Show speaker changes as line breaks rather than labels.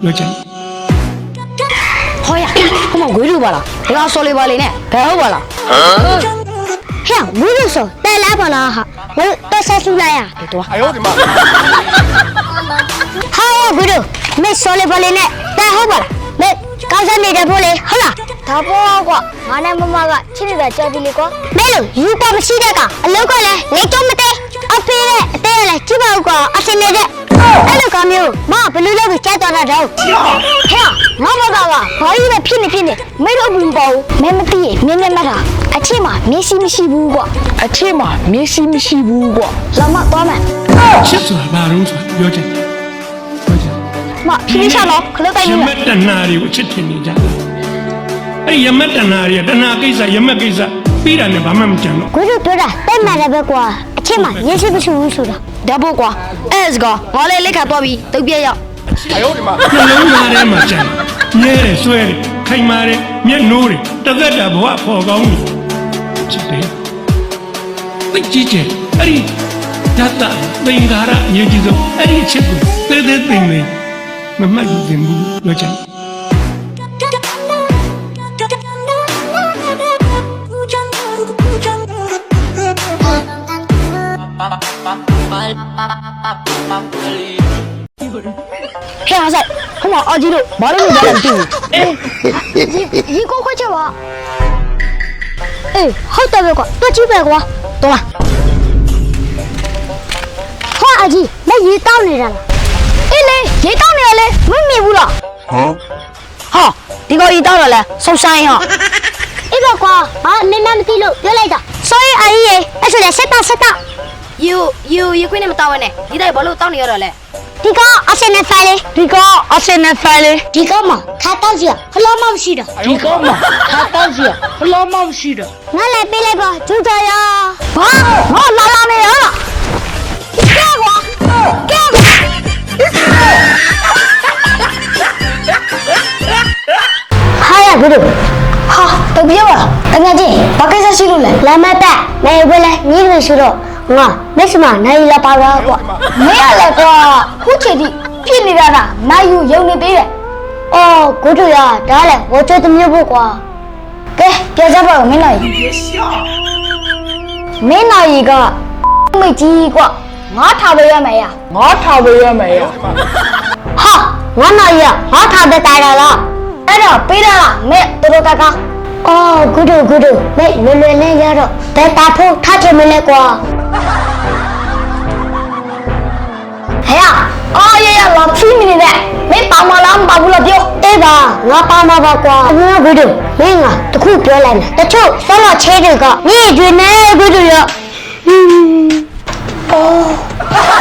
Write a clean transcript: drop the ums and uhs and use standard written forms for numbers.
ပြောချင်
ဟောရခမငွေလို့ပါလားဒီကောင်စော်လေးပါလေနဲ့ဘယ်ဟုတ်ပါလားဟဲ့ငွေလို့ဆိုတဲလားပါလားဟာငါတော့ဆက်စုလိုက်ရတော့
哎呦我的妈！
ဟာငွေလို့မစော်လေးပါလေနဲ့တဲဟုတ်ပါလားမကောင်းစနေတဲ့ဖို့လေဟုတ်လားဒါပေါ်ကွာငါနဲ့မမကချစ်နေတာကြောက်ပြီလေကွာမဲလို့ယူပါမရှိတဲ့ကအလုပ်ကလည်းနေကြမတဲ့အဖေနဲ့အသေးလည်းကြည့်ပါဦးကွာအစင်နေတဲ့အဲ့လိုကမျိုးမဘလူးလို့ကြားသွားတာတော့ဟဲ့ငါမကဘာကြီးပဲဖြစ်နေမဲတော့ဘူးပေါ့မဲမသိမြင်းနဲ့မတာအချစ်မှာမျက်စိမရှိဘူးကွာအချစ်မှာမျက်စိမရှိဘူးကွာလာမသွားမယ်
ချစ်ဆိုတာဘာလို့ဆိုတာပြောချင်
မဖြည်းဖြည်းတော့ခလုတ်တိုင်း
ရ
နေ
မတ်တနာတွေကိုချစ်ထင်နေကြတယ်အဲ့ရမတ်တနာတွေတနာကိစ္စရမတ်ကိစ္စပြီးတာနဲ့ဘာမှမကြံတော့
ကိုတို့ပြောတာတိတ်မှန်တယ်ပဲကွာအချစ်မှာမျက်စိမရှိဘူးဆိုတာဒါပေါ့ကွာအဲ့စကောငါလည်းလက်ခါသွားပြီးတုတ်ပြက်ရောက်
哎呦我的妈！
နှလုံးသားထဲမှာကြံမြဲတယ်ဆွဲတယ်ခိုင်မာတယ်မျက်နှိုးတယ်တသက်တာဘဝပေါ်ကောင်းတယ်ချစ်တယ်သိကြည့်ချင်အဲ့ဒီဓာတ်တာသင်္ကာရအရေးကြီးဆုံးအဲ့ဒီချစ်ကိုသေးသေးသိနေမမှတ်ယူသင်ဘူးပြောချင်
ဟဲ့ဆိုင်ဟိုမှာအကြီးတို့ဘာလို့မပြောလဲမသိဘူးဒီကိုခွချက်ပါအေးဟုတ်တယ်ပဲကွာတွက်ကြည့်ပဲကွာတော်လားဟောအကြီးမရေတောင်းနေတာလားအေးလေရေတောင်းနေရလေမမြင်ဘူးလားဟာဒီကောင်ရေတောင်းတော့လဲဆုပ်ဆိုင်ဟာအေးပါကွာဟာနင်းမမသိလို့ပြောလိုက်တာဆိုရင်အကြီးရေအဲ့ဆိုလဲဆက်တာယူခွေးနဲ့မတောင်းရနဲ့ဒီတိုင်းဘာလို့တောင်းနေရတော့လဲဒီကအစနေဖိုင်လေဒီကမှာခါတောင်းစီဖလောမမရှိတာငါလည်းပေးလိုက်ပါကျူတာရဘာငါလာနေရကဲကွာဟာရဘူးတို့ဟာတော့ပြောပါတကယ်ကြီးဘာကိစ္စရှိလို့လဲလာမတက်နေဝဲလဲညီးလို့ရှိတော့ငါမက်စမနိုင်လာပါတော့ကွာမရလဲကွာခုချိန်ထိဖြစ်နေတာကနိုင်ယူယုံနေသေးတယ်အော်ကိုတို့ရဒါလည်းဝချိုတမျိုးဖို့ကွာကဲပြောကြပါဦးမင်းနိုင်မင်းနိုင်ကမိတ်ကြီးကွာငါထားပေးရမယ်ဟာငါနိုင်ရငါထားတဲ့တိုင်လားအဲ့တော့ပေးရလားမဲတို့ကအော်ဂုဒုမဲလွယ်နဲ့ရတော့တဲတာဖို့ထားချင်မလဲကွာဟဲ့အော်ရလာဖြီးနေတယ်မင်းပါမလားမပါဘူးလားပြောအေးပါငါပါမှာပါကွာငါဂုဒုမင်းကတခုပြောလိုက်မယ်တချို့ဆောလာချဲတွေကညည့်ကျွေးနေဂုဒုရအော်